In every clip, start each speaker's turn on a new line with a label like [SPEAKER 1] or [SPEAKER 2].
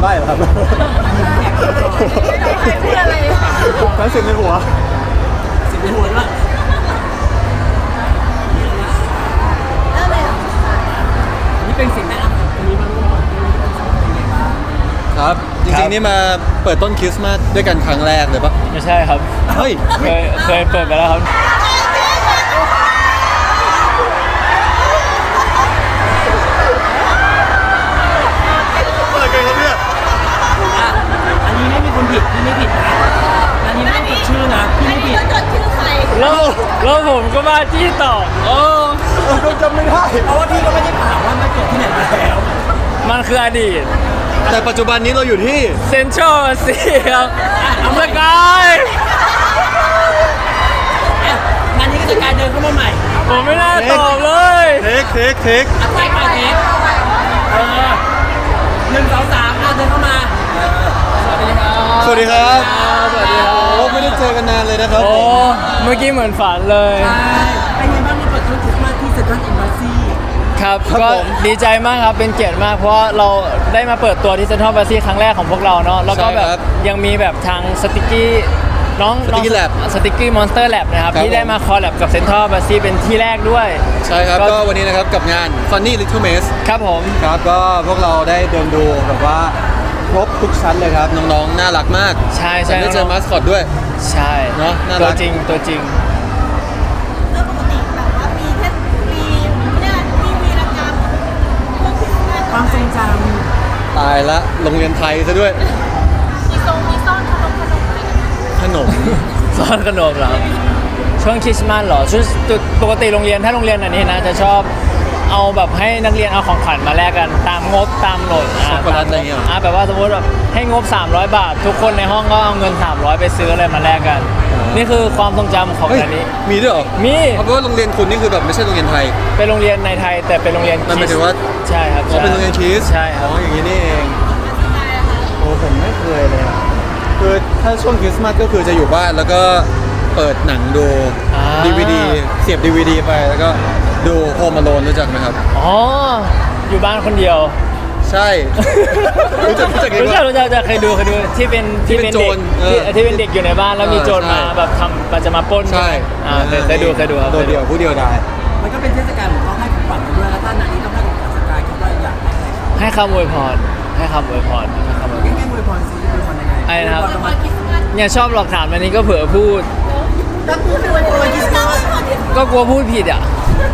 [SPEAKER 1] ใบ้เหรอครับ
[SPEAKER 2] ใครพูดอะไร
[SPEAKER 1] ทั้งสิ่งในหัว
[SPEAKER 3] สิ่งในหัวด้วย
[SPEAKER 2] เริ่มเลยเหรอ
[SPEAKER 3] นี่เป็นสิ่งแรกอันนี้มันรู้ก่อนเป็นไงบ้าง
[SPEAKER 1] ครับจริงๆนี่มาเปิดต้นคริสต์มาสด้วยกันครั้งแรกเลยปะ
[SPEAKER 4] ไม่ใช่ครับ
[SPEAKER 1] เฮ้ย
[SPEAKER 4] เคยเปิดไปแล้วครับ
[SPEAKER 1] อะไรกันครับเนี่ย
[SPEAKER 3] อ่ะอันนี้ไม่มีคนผิดพี่ไม่ผิดนะอันนี้ไม่ต้องจดชื่อนะพี่
[SPEAKER 2] อัน
[SPEAKER 3] ไม่
[SPEAKER 2] นี้
[SPEAKER 3] ผิด
[SPEAKER 2] ก็จดชื่อใคร
[SPEAKER 4] แล้วผมก็มาจี้ต่อโอ้
[SPEAKER 1] เราจำไม่ได้
[SPEAKER 3] เพราะว่าพี่ก็ไม่ได้ถามว่ามาเกิดที่ไหนมาแล้ว
[SPEAKER 4] มันคืออดีต
[SPEAKER 1] แต่ปัจจุบันนี้เราอยู่ที่
[SPEAKER 4] เซนทรัลซีครับสกาย
[SPEAKER 3] อ่ะงานนี้ก็จะกลายเดินเข้ามาใหม่
[SPEAKER 4] ผมไม่น่าตอบเลย
[SPEAKER 1] เทค
[SPEAKER 3] อ่ะแท็กมาเทค1 2 3เดินเข้ามา
[SPEAKER 1] สวัสดีครับ
[SPEAKER 4] สวัสดีครับ
[SPEAKER 1] โอ้ไม่ได้เจอกันนานเลยนะครับ
[SPEAKER 4] โอ้เมื่อกี้เหมือนฝันเลย
[SPEAKER 3] ใช่เป็นไงบ้างนี่เปิดธุรกิจมาที่เซ็นทรัลเอ็มบาซี
[SPEAKER 4] ครับก็ดีใจมากครับเป็นเกียรติมากเพราะว่าเราได้มาเปิดตัวที่เซ็นทรัลบาซีครั้งแรกของพวกเราเนาะแล้วก็แบบยังมีแบบทางสติกกี้น้อง
[SPEAKER 1] Sticky Lab
[SPEAKER 4] สติกกี้มอนสเตอร์แลบนะครับ
[SPEAKER 1] ครับ
[SPEAKER 4] ที่ได้มาคอลแลบกับเซ็นทรัลบาซีเป็นที่แรกด้วย
[SPEAKER 1] ใช่ครับก็วันนี้นะครับกับงาน Funny Little Mess
[SPEAKER 4] ครับผม
[SPEAKER 1] ครับก็พวกเราได้เดินดูแบบว่าครบทุกชั้นเลยครับน้องๆน่ารักมาก
[SPEAKER 4] ใช่ใช่
[SPEAKER 1] ได้เจอมาสคอตด้วย
[SPEAKER 4] ใช่
[SPEAKER 1] เนอะน่ารัก
[SPEAKER 4] ตัวจริงตัวจริง
[SPEAKER 2] เรื่องปกติแบบว่ามีแค่มีเนี่ยมีวีรกรรมพวกพิธีการ
[SPEAKER 3] ความทรงจ
[SPEAKER 1] ตายละโรงเรียนไทยซะด้วย
[SPEAKER 2] มีทรงมีซ่อนอะไรกัน
[SPEAKER 1] ขนม
[SPEAKER 4] ซ่อนขนมเหรอครับช่วงคริสต์มาสเหรอช่วงปกติโรงเรียนถ้าโรงเรียนอันนี้นะจะชอบเอาแบบให้นักเรียนเอาของขวัญมาแลกกันตามงบตามโหลด
[SPEAKER 1] ช็อกโกแลตอะไรเงี้ยเหรอ
[SPEAKER 4] แบบว่าสมมติแบบให้งบ300 บาท ทุกคนในห้องก็เอาเงิน300ไปซื้ออะไรมาแลกกัน นี่คือความทรงจำของ
[SPEAKER 1] เฮ้ย
[SPEAKER 4] อันนี้
[SPEAKER 1] มีด้วยเหรอ
[SPEAKER 4] มี
[SPEAKER 1] เพราะว่าโรงเรียนคุณนี่คือแบบไม่ใช่โรงเรียนไทย
[SPEAKER 4] เป็นโรงเรียนในไทยแต่เป็นโรงเรียน
[SPEAKER 1] มันหมายถึงว่า
[SPEAKER 4] ใช่ครับ
[SPEAKER 1] อ๋อเป็นโรงเรียนคริสต์
[SPEAKER 4] ใช่ค
[SPEAKER 1] อ๋
[SPEAKER 4] รั
[SPEAKER 1] อบ อย่างนี้นี่เองโอ้ผมไม่เคยเลยอะคือถ้าช่วงคริสต์มาสก็คือจะอยู่บ้านแล้วก็เปิดหนังดู DVD เสียบ DVD ไปแล้วก็ดูโฮม a โลนรู้จักไหมครับ
[SPEAKER 4] อ๋ออยู่บ้านคนเดียว
[SPEAKER 1] ใช่ รู้จักดี
[SPEAKER 4] รู้
[SPEAKER 1] ก
[SPEAKER 4] จั
[SPEAKER 1] ว่า
[SPEAKER 4] รู้จักเคยดูที่เป็น
[SPEAKER 1] ที่เป็นโจร
[SPEAKER 4] เด็กที่เป็นเด็กอยู่ในบ้านแล้วมีโจร
[SPEAKER 1] ใช่
[SPEAKER 4] มาแบบทำมันจะมาปล้น
[SPEAKER 1] ใช่
[SPEAKER 4] เคยดูครับ
[SPEAKER 1] โดดเดี่ยวผู้เดียวดาย
[SPEAKER 3] ำมันก็เป็นเทศกาลของเขาให้ของขวัญกันด้วยแล้วถ้านานนี้ต้องให้ของขวัญสกายคิดว่าอยากให้อะไรครับ
[SPEAKER 4] ให้คำอวยพรให้คำอวยพรให้คำอวยพร
[SPEAKER 3] ง่ายๆอวยพรซิอวยพรยังไง
[SPEAKER 4] อะไรนะครับ
[SPEAKER 2] ละครคริสต์มาส
[SPEAKER 4] เนี่ยชอบหลอกถามอันนี้ก็เผื่อพูด
[SPEAKER 2] แล้วพูดถึงวันคริสต์มาส
[SPEAKER 4] ก็กลัวพูดผิดอ่ะ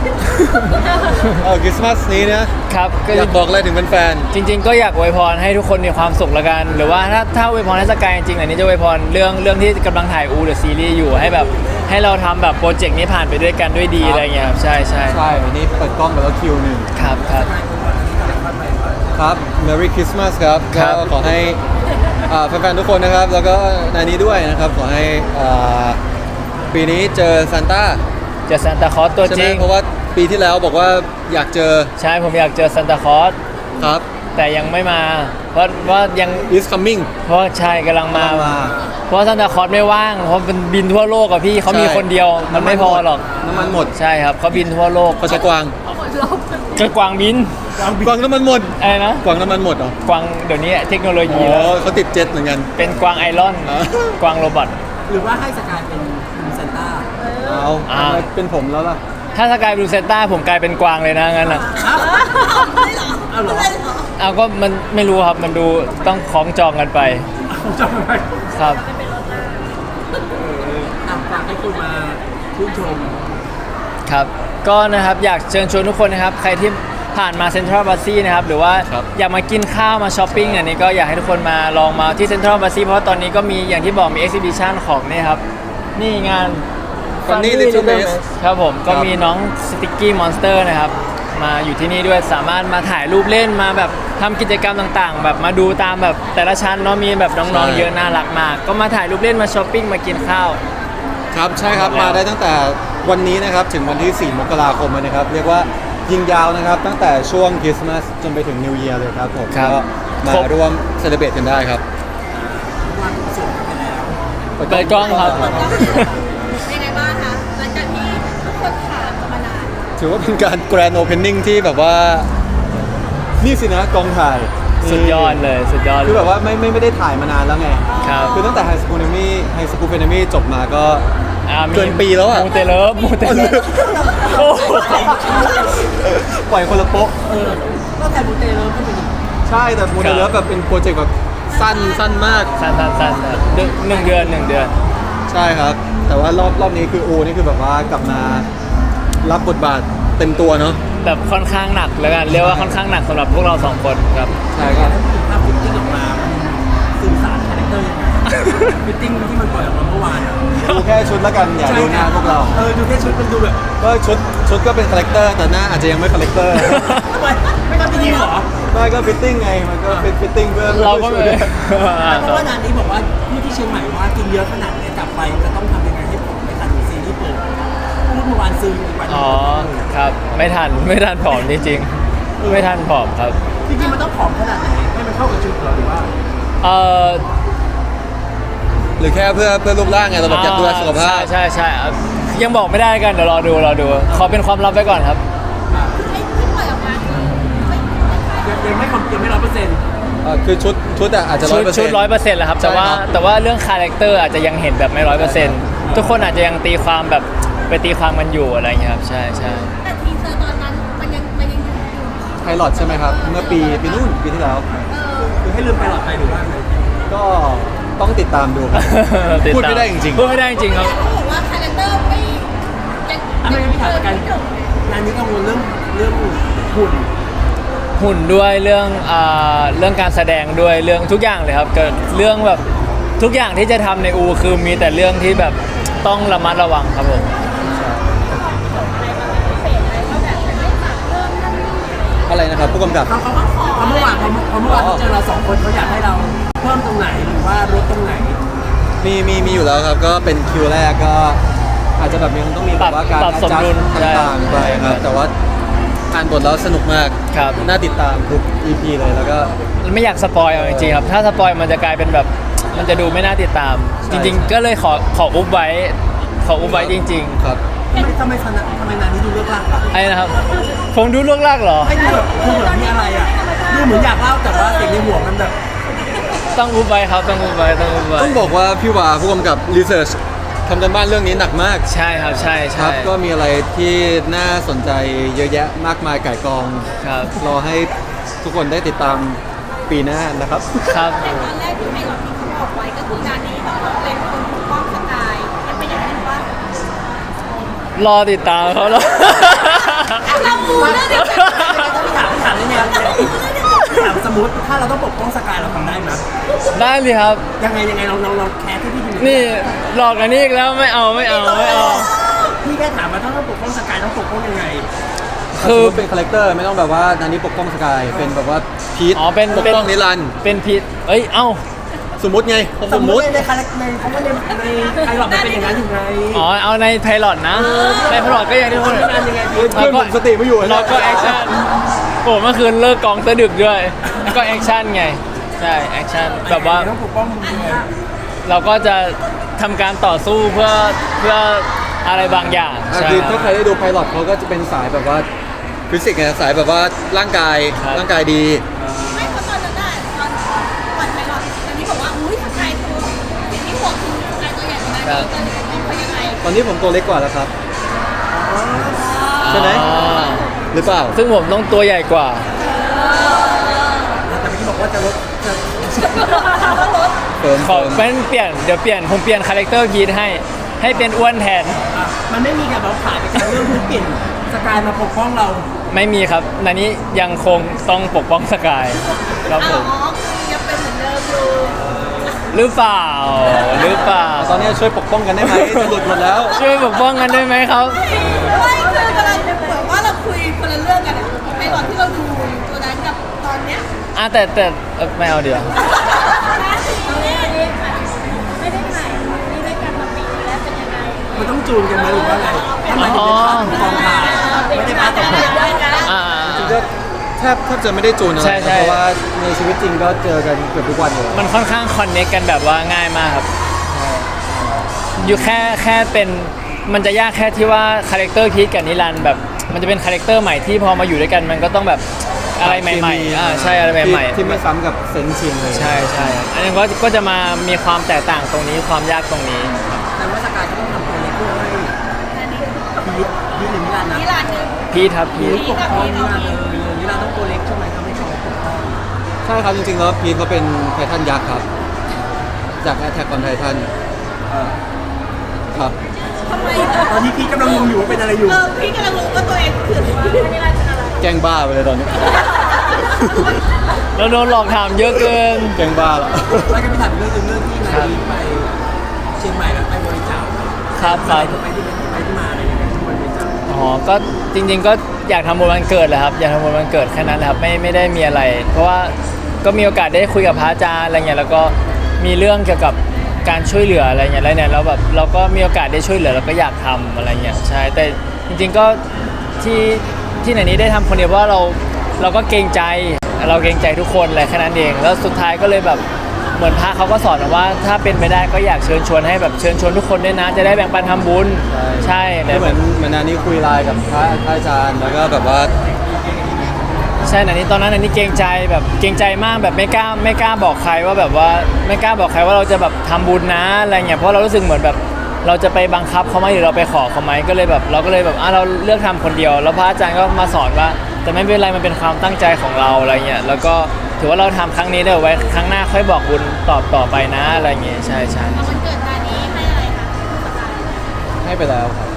[SPEAKER 1] คริสต์มาสนี้นะครับ
[SPEAKER 4] ก็
[SPEAKER 1] อยากบอกอะไรถึงแฟน
[SPEAKER 4] จริง ๆ ก็อยากอวยพรให้ทุกคนมีความสุขละกัน หรือว่าถ้าอวยพรให้สกายจริงๆอันนี้จะอวยพรเรื่องที่กำลังถ่ายเดอะซีรีส์อยู่ให้แบบให้เราทำแบบโปรเจกต์นี้ผ่านไปด้วยกันด้วยดีอะไรเงี้ยครับใช่
[SPEAKER 1] ๆ ใช่วันนี้เปิดกล้องไปแล้วคิวหนึ่ง
[SPEAKER 4] ครับครับ
[SPEAKER 1] ครับ Merry Christmas ครับ
[SPEAKER 4] ครั
[SPEAKER 1] ก็
[SPEAKER 4] บ
[SPEAKER 1] ขอให้แฟนๆทุกคนนะครับ แล้วก็นายนี้ด้วยนะครับ ขอให้ปีนี้เจอซานต้า
[SPEAKER 4] เจอซานตาคลอสตัว
[SPEAKER 1] ใช่
[SPEAKER 4] จ
[SPEAKER 1] ไหม
[SPEAKER 4] ริง
[SPEAKER 1] เพราะว่าปีที่แล้วบอกว่าอยากเจอ
[SPEAKER 4] ใช่ผมอยากเจอซานตาคลอส
[SPEAKER 1] ครับ
[SPEAKER 4] แต่ยังไม่มา เพราะว่ายัง
[SPEAKER 1] is coming
[SPEAKER 4] เพราะใช่กำลังมา
[SPEAKER 1] กำลังมา
[SPEAKER 4] เพราะซานตาคลอสไม่ว่างเพราะมันบินทั่วโลกอะพี่เขามี
[SPEAKER 1] ใช่
[SPEAKER 4] คนเดียวมันไม่พอหรอก
[SPEAKER 1] น้ำมันหมด
[SPEAKER 4] ใช่ครับเขาบินทั่วโลก
[SPEAKER 1] เขาใช้กวาง
[SPEAKER 4] กระกวางบิน
[SPEAKER 1] กวางน้ำมันหมด
[SPEAKER 4] อะไรนะ
[SPEAKER 1] กวางน้ำมันหมดเหรอก
[SPEAKER 4] วางเดี๋ยวนี้เทคโนโล
[SPEAKER 1] อ๋
[SPEAKER 4] ยีแล้ว
[SPEAKER 1] อเขาติดเจ็ตเหมือนกัน
[SPEAKER 4] เป็นกวางไอรอน
[SPEAKER 1] อ๋อ
[SPEAKER 4] กวางโรบอท
[SPEAKER 3] หรือว่าให้สกายเป็นคุณซานต้า
[SPEAKER 1] เอา
[SPEAKER 4] อ่า
[SPEAKER 1] ทำไมเป็นผมแล้วล่ะ
[SPEAKER 4] ถ้าสกายบลูเซนต้าผมกลายเป็นกวางเลยนะงั้นอ่ะ
[SPEAKER 3] เอาเหรอ
[SPEAKER 4] เอาก็มันไม่รู้ครับมันดูต้องคล้องจองกันไป
[SPEAKER 3] ผมจำไม่ได้
[SPEAKER 4] ครับ
[SPEAKER 3] ฝากให้คุณมาชื่นชม
[SPEAKER 4] ครับก็นะครับอยากเชิญชวนทุกคนนะครับใครที่ผ่านมาเซ็นทรัลบาซีนะครับหรือว่า
[SPEAKER 1] ครับ
[SPEAKER 4] อยากมากินข้าวมาช้อปปิ้งอันนี้ก็อยากให้ทุกคนมาลองมาที่เซ็นทรัลบาซีเพราะว่าตอนนี้ก็มีอย่างที่บอกมีเอ็กซิบิชันของนี่ครับนี่งาน
[SPEAKER 1] Funny Little Mess
[SPEAKER 4] ครับผมก็
[SPEAKER 1] ครับ
[SPEAKER 4] มีน้องสติกกี้มอนสเตอร์นะครับมาอยู่ที่นี่ด้วยสามารถมาถ่ายรูปเล่นมาแบบทำกิจกรรมต่างๆ แบบมาดูตามแบบแต่ละชั้นเนาะมีแบบน้องๆเยอะน่ารักมาก ก็มาถ่ายรูปเล่นมาช้อปปิ้งมากินข้าว
[SPEAKER 1] ครับใช่ครับ
[SPEAKER 4] แล้ว
[SPEAKER 1] มาได้ตั้งแต่วันนี้นะครับถึงวันที่ 4 มกราคมเลยนะครับ เรียกว่ายิงยาวนะครับ ตั้งแต่ช่วงคริสต์มาสจนไปถึงนิว e ย r เลยครับผม
[SPEAKER 4] ครับ
[SPEAKER 1] ก็มาร่วมเซเลบรตกันได้ครับ
[SPEAKER 3] วันส่งไปแล้ว
[SPEAKER 4] เปิดกล้องครับ
[SPEAKER 2] ยังไงบ้างคะหลังจากที่ทุกคนถามกันมานาน
[SPEAKER 1] ถือว่าเป็นการแกรนด์โอเพนนิ่งที่แบบว่า นี่สินะกองถ่าย
[SPEAKER 4] สุดยอดเลยสุดยอด
[SPEAKER 1] คือแบบว่าไม่ได้ถ่ายมานานแล้วไง
[SPEAKER 4] ครับ
[SPEAKER 1] คือตั้งแต่ไฮสคูลเฟนมี่จบมาก็
[SPEAKER 4] มี
[SPEAKER 1] เกินปีแล้วอะ
[SPEAKER 4] มูเตเลิฟโอ้โห
[SPEAKER 1] ปล่อยคนละโป๊ะ
[SPEAKER 3] ก็แต่บูเตเลิฟก็เป็น
[SPEAKER 1] ใช่แต่โมเดลเลิฟแบบเป็นโปรเจกต์แบบสั้นมาก
[SPEAKER 4] สั้นครับหนึ่งเดือน
[SPEAKER 1] ใช่ครับ แต่ว่ารอบนี้คือโอนี่คือแบบว่ากลับมารับบทบาทเต็มตัวเนาะ
[SPEAKER 4] แบบค่อนข้างหนักแล้วกันเรียกว่าค่อนข้างหนักสำหรับพวกเราสองคนครับ
[SPEAKER 1] ใช่ครับ
[SPEAKER 3] ภาพฟิตติ้งออกมาสื่อสารคาแรคเตอร์ยังไงฟิตติ้งที่มันปล่อยออกมาเมื่อวานอะ
[SPEAKER 1] ดูแค่ชุดแล้วกันอย่าดูหน้าพวกเรา
[SPEAKER 3] ดูแค่ชุดมันดูแบบ
[SPEAKER 1] ก็ชุดก็เป็นคาแรคเตอร์แต่หน้าอาจจะยังไม่คาแรคเตอร์
[SPEAKER 3] ทำไมไม่ทำดีเหรอ
[SPEAKER 1] ไม่ก็ฟิตติ้งไงมันก็ฟิตติ้งเพื่อ
[SPEAKER 4] เราก็ไม่
[SPEAKER 3] เพราะว่างานนี้บอกว่าผู้ที่เชียงใหม่ว่ากินเยอะขนาดนี้กลับไปจะต้องทำยังไงให้ผมไม่ทันซีรีส์เปิดพูดเมื่อวานซื้ออีกวัน
[SPEAKER 4] อ๋อครับไม่ทันผอมจริงๆไม่ทันผอมครับ
[SPEAKER 3] จริงๆมันต้องผอมขนาดไหนให้มันเข้ากับชุดเราหรือว่า
[SPEAKER 4] เออ
[SPEAKER 1] หรือแค่เพื่อรูปร่างไงเราแบบอยากดูแลสุขภาพ
[SPEAKER 4] ใช่ครับยังบอกไม่ได้กันเดี๋ยวรอดูขอเป็นความลับไว้ก่อนครับ
[SPEAKER 2] ไอ้ที่ปล่อยออกมาคือ
[SPEAKER 3] ยังไม่100%
[SPEAKER 1] คือชุดอะอาจจะ
[SPEAKER 4] ชุด100%แหละครับแต่ว่า
[SPEAKER 1] ใช่ครับ
[SPEAKER 4] แต่ว่าเรื่องคาแรคเตอร์อาจจะยังเห็นแบบไม่100%ทุกคนอาจจะยังตีความแบบไปตีความมันอยู่อะไรอย่างเงี้ยครับใช่
[SPEAKER 2] แต่ทีเซอร์ตอนนั้นมันยังอยู่
[SPEAKER 1] ไพลอตใช่ไหมครับ เมื่อปีนู่นปีที่แล้ว
[SPEAKER 3] คือให้ลืมไปหลอดไปหรือว่าไง
[SPEAKER 1] ก็ต้องติดตามดูครับ พูดไม่ได้จริงๆ
[SPEAKER 4] พูดไม่ได้จริงๆครับ
[SPEAKER 2] เขาบอกว่าคาแรคเตอร์ไม่ยัง
[SPEAKER 3] ถ้าไม่งั้นพี่ถามกันงานนี้กังวลเรื่องหุ่น
[SPEAKER 4] หุ่นด้วยเรื่องการแสดงด้วยเรื่องทุกอย่างเลยครับเกิดเรื่องแบบทุกอย่างที่จะทำในอูคือมีแต่เรื่องที่แบบต้องระมัดระวังครับผม
[SPEAKER 1] อะไรนะครับผู้กำกับ
[SPEAKER 3] เขาเมื่อวานเขาเจอเรา2 คนเขาอยากให้เราเพิ่มตรงไหนหรือว่าลดตรงไหน
[SPEAKER 1] มีอยู่แล้วครับ ก็เป็นคิวแรกก็อาจจะแบบยังต้องมีแบบว่าการ
[SPEAKER 4] ปรับสมดุล
[SPEAKER 1] ต่างๆไปครับ แต่ว่าอ่านบทแล้วสนุกมาก
[SPEAKER 4] ครับ
[SPEAKER 1] น่าติดตามทุก EP เลยแล้วก็
[SPEAKER 4] ไม่อยากสปอยเอาจริงๆครับถ้าสปอยมันจะกลายเป็นแบบมันจะดูไม่น่าติดตาม
[SPEAKER 1] ใช่
[SPEAKER 4] จริง ๆ ก็เลยขออุบไว้จริง
[SPEAKER 1] ครับ
[SPEAKER 3] ทำไมนานนี้ดูเลิกลากล่ะ
[SPEAKER 4] ๆไอ้นะครับผมดูล่วงลากเหรอ
[SPEAKER 3] ไม่ดูแบบดูเหมือนมีอะไรอ่ะดูเหมือนอยากเล่าแต่ว่าเสียงในหัวมันแบบ
[SPEAKER 4] ต้องอุบไว้ครับต้องอุบไว้
[SPEAKER 1] ต้องบอกว่าพี่วาผู้กำกับรีเสิร์ชทำกันบ้านเรื่องนี้หนักมาก
[SPEAKER 4] ใช่ครับใช่
[SPEAKER 1] ครับ ก็มีอะไรที่น่าสนใจเยอะแยะมากมายก่ายกอง
[SPEAKER 4] ครับ
[SPEAKER 1] รอให้ทุกคนได้ติดตามปีหน้านะครับ
[SPEAKER 4] ครับ
[SPEAKER 2] แต่ตอนแรกที่ไพลอตที่เขาบอกไว้ก็คืองานนี้เราเป็นคนปกป้องสกายยังเป็นอย่างนั้นว่าร
[SPEAKER 4] อติดตามเขาแล้ว
[SPEAKER 2] เราปูเรื่องเดียวกัน
[SPEAKER 3] ถามได้ไหมครับถามสมมติถ้าเราต้องปกป้องสกายเราทำได้ไหม
[SPEAKER 4] ได้เลยครับ
[SPEAKER 3] ยังไงเราแคร์ที่พี่ดู
[SPEAKER 4] นี่หลอกกันนี่อีกแล้วไม่เอา
[SPEAKER 3] พี่แค่ถามว่าถ้าต้องปกป้องสกายต้องปกป้องยังไง
[SPEAKER 4] คือ
[SPEAKER 1] สมมุติเป็นคาแรคเตอร์ไม่ต้องแบบว่านันนี้ปกป้องสกายเป็นแบบว่าพีท
[SPEAKER 4] อ๋อเป็น
[SPEAKER 1] ปกป้องนิรันดร์
[SPEAKER 4] เป็นพิษเอ้ยเอ้า
[SPEAKER 1] สมมติไง
[SPEAKER 3] สมมติในคาแรคในเขาว่าในไอหลอดมันเป็นอย่างนั้นอยู่ไง
[SPEAKER 4] อ๋อเอาในไพลอตนะในไพลอตก็อย่างที่พูด
[SPEAKER 3] งานยังไง
[SPEAKER 1] เพื่อนผมสติไม่อยู่
[SPEAKER 4] เราก็แอคชั่นโอ้เมื่อคืนเลิกกองซะดึกด้วยก็แอคชั่นไงใช่แอคชั่นแบบว่า
[SPEAKER 3] ต้องปกป้องมึงยังไง
[SPEAKER 4] เราก็จะทำการต่อสู้เพื่ออะไรบางอย่างใช่
[SPEAKER 1] คือ
[SPEAKER 4] ค
[SPEAKER 1] ถ้าใคร
[SPEAKER 4] รับ
[SPEAKER 1] ได้ดูไพลอตเขาก็จะเป็นสายแบบว่าฟิสิกส์ไงสายแบบว่าร่างกาย
[SPEAKER 4] ครับ
[SPEAKER 1] ร่างกายดี
[SPEAKER 2] ไม่เพราะตอนนั้นน่ะตอนก่อนไพลอตตอนนี้บอกว่าอุ้ยสกายตัวสิ่งที่ห่วงคือสกายตัวใหญ่กว่านั้นตอนนี้มองไปยังไง
[SPEAKER 1] ตอนนี้ผมตัวเล็กกว่าแล้วครับ ใช่ไหม
[SPEAKER 4] อ๋อ
[SPEAKER 1] หรือเปล่า
[SPEAKER 4] ซึ่งผมต้องตัวใหญ่กว่า
[SPEAKER 3] แต่เมื่อกี้บอกว่าจะลดจะ
[SPEAKER 1] เฟิร์ม
[SPEAKER 4] ขอเป็นเดี๋ยวเปลี่ยนผมเปลี่ยนคาแรคเตอร์พีทให้เป็นอ้วนแทน
[SPEAKER 3] มันไม่มีการเราผ่านไปการเรื่องพื้นเปลี่ยนสกายมาปกป้องเรา
[SPEAKER 4] ไม่มีครับนันนี้ยังคงต้องปกป้องสกายครับผม
[SPEAKER 2] อ๋อคือยังเป็นเหมือนเดิมอยู่
[SPEAKER 4] หรือเปล่า
[SPEAKER 1] ตอนนี้ช่วยปกป้องกันได้ไหมจะหลุดหมดแล้ว
[SPEAKER 4] ช่วยปกป้องกันได้ไหมครับ
[SPEAKER 2] ไม่คือกำลังเหมือนว่าเราคุยคนละเรื่องกันอะไพลอตที่เราดูตัวนั้นกับตอนเนี้ย
[SPEAKER 4] แต่ไม่เอาเดี๋ยว
[SPEAKER 2] ไม่ได้ถ่ายนี่ได้กันมาปีนึงแล้วเป็นยังไง
[SPEAKER 3] มันต้องจูนกันไหมหรือว่าไงถ้ามันเป็นภาพกองถ่ายไม่ได้ภาพกองถ่าย
[SPEAKER 4] อ่า
[SPEAKER 1] จริงๆก็แทบจะไม่ได้จูนอะไร
[SPEAKER 4] ใช่ใช่
[SPEAKER 1] เพราะว่าในชีวิตจริงก็เจอกันเกือบทุกวันเลย
[SPEAKER 4] มันค่อนข้างคอนเน c กกันแบบว่าง่ายมากครับ อยู่แค่เป็นมันจะยากแค่ที่ว่าคาแรคเตอร์พีทกับนิรันดร์แบบมันจะเป็นคาแรคเตอร์ใหม่ที่พอมาอยู่ด้วยกันมันก็ต้องแบบอะไรใหม่ๆใช่อะไรใหม่ๆ
[SPEAKER 1] ที่ไม่ซ้ำกับเซนชินเลย
[SPEAKER 4] ใช่ใช่อันนี้ก็จะมามีความแตกต่างตรงนี้ความยากตรงนี้
[SPEAKER 3] แต่ว่าสกายก็ต้องทำตัวเล็กเพื่อให้พีทหรือมิลานนะ
[SPEAKER 2] นี่ร้านหนึง
[SPEAKER 4] พีทครับพีท
[SPEAKER 3] ปกป้องมิลานมิลานต้องตัวเล็กใช่ไหมทำให้เขาปกป้อง
[SPEAKER 1] ใช่ครับจริงๆแล้วพีทเขาเป็นไททันยักษ์ครับ จากแอทแทกออนไททันครับ
[SPEAKER 2] ทำไม
[SPEAKER 3] ตอนนี้พีทกำลังงงอยู่ว่าเป็นอะไรอยู่
[SPEAKER 2] พี่กำลังรู้ว่าตัวเองคือนี่ร้านเป็นอะไร
[SPEAKER 1] แกล้งบ้าไปเลยตอนนี้
[SPEAKER 4] แล้วโดนหลอกถามเยอะเกิน
[SPEAKER 1] แกล้งบ้าแล้ว
[SPEAKER 3] แล้วก็พี่ถามเรื่องที่นายไปเชียงใหม่แล้วไปบริจาค
[SPEAKER 4] ครับครับ
[SPEAKER 3] ไปที่มาอะไรยังไงที่บริจาค
[SPEAKER 4] อ๋อก็จริง ๆ ก็อยากทำบุญวันเกิดแหละครับอยากทำบุญวันเกิดแค่นั้นแหละครับไม่ได้มีอะไร เพราะว่าก็มีโอกาสได้คุยกับพระอาจารย์อะไรเงี้ยแล้วก็มีเรื่องเกี่ยวกับการช่วยเหลืออะไรเงี้ยแล้วเนี่ยเราแบบเราก็มีโอกาสได้ช่วยเหลือเราก็อยากทำอะไรเงี้ยใช่แต่จริงๆก็ที่ไหนนี้ได้ทำคนเดียวเพราะว่าเราก็เกรงใจทุกคนแหละแค่นั้นเองแล้วสุดท้ายก็เลยแบบเหมือนพระเขาก็สอนว่าถ้าเป็นไปได้ก็อยากเชิญชวนให้แบบเชิญชวนทุกคนด้วยนะจะได้แบ่งปันทำบุญใช่
[SPEAKER 1] เหมือนอันนี้คุยไลน์กับพระอาจารย์แล้วก็แบบว่า
[SPEAKER 4] ใช่อันนี้ตอนนั้นอันนี้เกรงใจแบบเกรงใจมากแบบไม่กล้าบอกใครว่าแบบว่าไม่กล้าบอกใครว่าเราจะแบบทำบุญนะอะไรเงี้ยเพราะเรารู้สึกเหมือนแบบเราจะไปบังคับเขาไหมหรือเราไปขอเขาไหมก็เลยแบบเราก็เลยแบบเราเลือกทำคนเดียวแล้วพระอาจารย์ก็มาสอนว่าแต่ไม่เป็นไรมันเป็นความตั้งใจของเราอะไรเงี้ยแล้วก็ถือว่าเราทำครั้งนี้ได้ไว้ครั้งหน้าค่อยบอกบุญต่อไปนะอะไรเงี้ยใช่
[SPEAKER 2] เอาวันเกิดงานนี้ให้อะไรคะ
[SPEAKER 1] ให้ไปแล้วครับ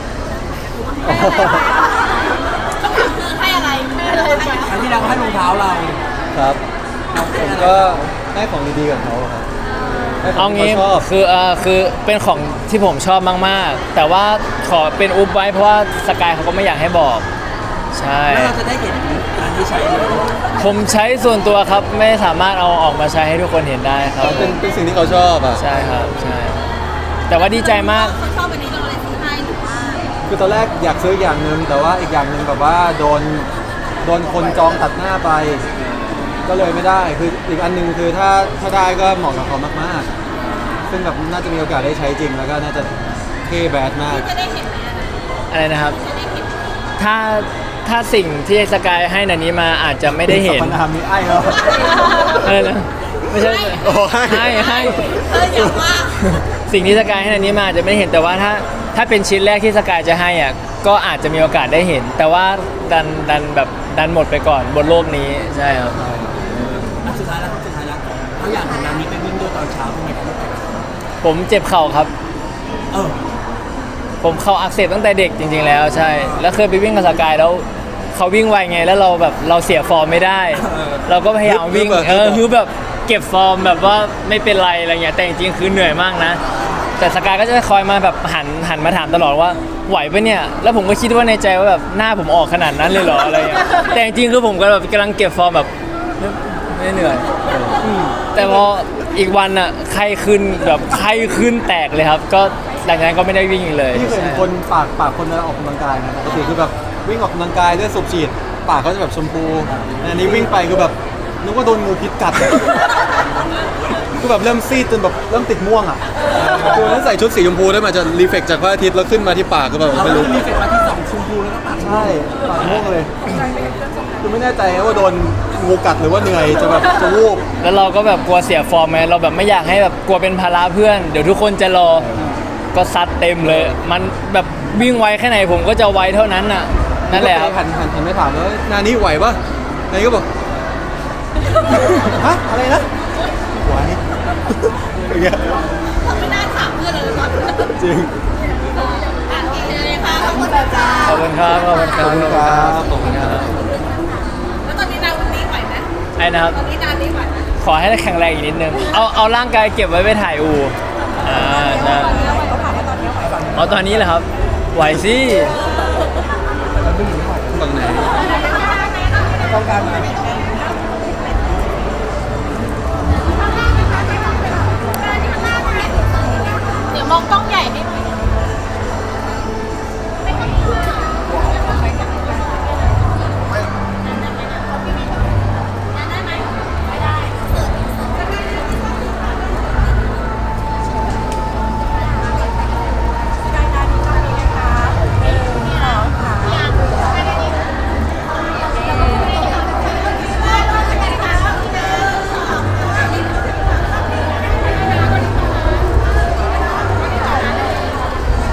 [SPEAKER 2] ให้อะไรให้อะไร
[SPEAKER 3] ครั้งที่แล้วให้รองเท้าเรา
[SPEAKER 1] ครับผมก็ได้ของดีๆกับเขาครับได้ข
[SPEAKER 4] เอา
[SPEAKER 1] องที่
[SPEAKER 4] งี้
[SPEAKER 1] เขาชอบ
[SPEAKER 4] คือเป็นของที่ผมชอบมากๆ แต่ว่าขอเป็นอุบไว้เพราะว่าสกายเขาก็ไม่อยากให้บอกใช่
[SPEAKER 3] แล้วเราจะได้เห็นอันที่ใช้เลย
[SPEAKER 4] ผมใช้ส่วนตัวครับไม่สามารถเอาออกมาใช้ให้ทุกคนเห็นได้ครับ
[SPEAKER 1] เป็นสิ่งที่เขาชอบอ่ะ
[SPEAKER 4] ใช่ครับใช่แต่ว่าดีใจมาก
[SPEAKER 2] เขาชอบอันนี้เราเลยซื้อให้หรือว่า
[SPEAKER 1] คือตอนแรกอยากซื้ออย่างหนึ่งแต่ว่าอีกอย่างหนึ่งแบบว่าโดนคนจองตัดหน้าไป ก็เลยไม่ได้คืออีกอันหนึงคือถ้าได้ก็เหมาะกับเขามากๆ ซึ่งแบบน่าจะมีโอกาสได้ใช้จริงแล้วก็น่าจะเท่แบดมาก
[SPEAKER 2] พี่จะได้เห็นไหมอะ
[SPEAKER 4] อะไรนะครับ
[SPEAKER 2] จะได้เห็น
[SPEAKER 4] ถ้าสิ่งที่สกายให้นันนี้มาอาจจะไม่ได้เห็น
[SPEAKER 1] สรรพนามนี้ไอ้แล้ว
[SPEAKER 4] อะไรนะไม่ใช่
[SPEAKER 1] โอ้ให้
[SPEAKER 4] ให้
[SPEAKER 2] อย่าว่า
[SPEAKER 4] สิ่งที่สกายให้นันนี้มาอาจจะไม่ได้เห็นแต่ว่าถ้าเป็นชิ้นแรกที่สกายจะให้อ่ะก็อาจจะมีโอกาสได้เห็น แต่ว่าดันหมดไปก่อนบนโลกนี้ใช่ครับ
[SPEAKER 3] สุดท้ายแล้วเขาอยากเห็นนานี้ไปวิ่งด้วยตอนเช้าทำไมเขาไม่ไป
[SPEAKER 4] ผมเจ็บเข่าครับ
[SPEAKER 3] เออ
[SPEAKER 4] ผมเข่าอักเสบตั้งแต่เด็กจริงๆแล้วใช่แล้วเคยไปวิ่งกับสกายแล้วเขาวิ่งไวไงแล้วเราแบบเราเสียฟอร์มไม่ได้ เราก็พยายามวิ่งคือแบบเก็บฟอร์มแบบว่าไม่เป็นไรอะไรเงี้ยแต่จริงๆคือเหนื่อยมากนะ แต่สกายก็จะคอยมาแบบหันมาถามตลอดว่าไหวปะเนี่ยแล้วผมก็คิดว่าในใจว่าแบบหน้าผมออกขนาดนั้นเลยเหรออะไรเงี้ยแต่จริงๆคือผมก็แบบกำลังเก็บฟอร์มแบบไม่เหนื่อยแต่พออีกวันอ่ะไข้ขึ้นแบบไข้ขึ้นแตกเลยครับ ก็หลังจากนั้นก็ไม่ได้วิ่งอีกเลย
[SPEAKER 1] ที่เคยเห็นคนปากคนเวลาออกกำลังกายนะปกติคือแบบวิ่งออกกำลังกายเลือดสูบฉีดปากเขาจะแบบชมพูอันนี้วิ่งไปคือแบบนึกว่าโดนงูพิษกัดคือแบบเริ่มซีดจนแบบเริ่มติดม่วงอ่ะคือนั้นใส่ชุดสีชมพูได้มาจะรีเฟกจากพระอาทิตย์แล้วขึ้นมาที่ปากก็แบบ
[SPEAKER 3] เรา
[SPEAKER 1] ไม่
[SPEAKER 3] ก็
[SPEAKER 1] รู้
[SPEAKER 3] มีเฟซมาที่2ชมพูแล้วก็ปาก
[SPEAKER 1] ใช่ปากม่วงเลยคือไม่แน่ใจว่าโดนงูกัดหรือว่าเหนื่อยจะแบบจะวูบ
[SPEAKER 4] แล้วเราก็แบบกลัวเสียฟอร์มไงเราแบบไม่อยากให้แบบกลัวเป็นภาระเพื่อน เดี๋ยวทุกคนจะรอก็ซัดเต็มเลย มันแบบวิ่งไวแค่ไหนผมก็จะไวเท่านั้นน่ะนั่นแหละครับ
[SPEAKER 1] หันไม่ถามแล้วนานี้ไหวปะนานี้ก็บอกฮะอะไรนะไหวอย่างเงี้ย
[SPEAKER 2] เขาไม่น่าถามเพื่อนเลยตอน
[SPEAKER 1] จริง
[SPEAKER 2] อ่ะโอเคเลยค่ะขอบคุณค่ะ
[SPEAKER 4] ขอบคุณครับขอบคุณค
[SPEAKER 1] ข
[SPEAKER 4] รั
[SPEAKER 1] อบบ คุณครับขอบคุณครับ
[SPEAKER 2] แล้วตอนนี้นางวันนี้ไหวไหม
[SPEAKER 4] ไอ้นะครับ
[SPEAKER 2] ตอนนี้นางนี้ไหวไหม
[SPEAKER 4] ขอให้แข็งแรงอีกนิดนึงเอาร่างกายเก็บไว้ไปถ่ายอูใช่
[SPEAKER 2] เขาถามว่าตอนนี้ไหวไหม
[SPEAKER 4] เอาตอนนี้เหรอครับไหวสิ
[SPEAKER 1] ฝั่งไหน
[SPEAKER 3] ต้องการมา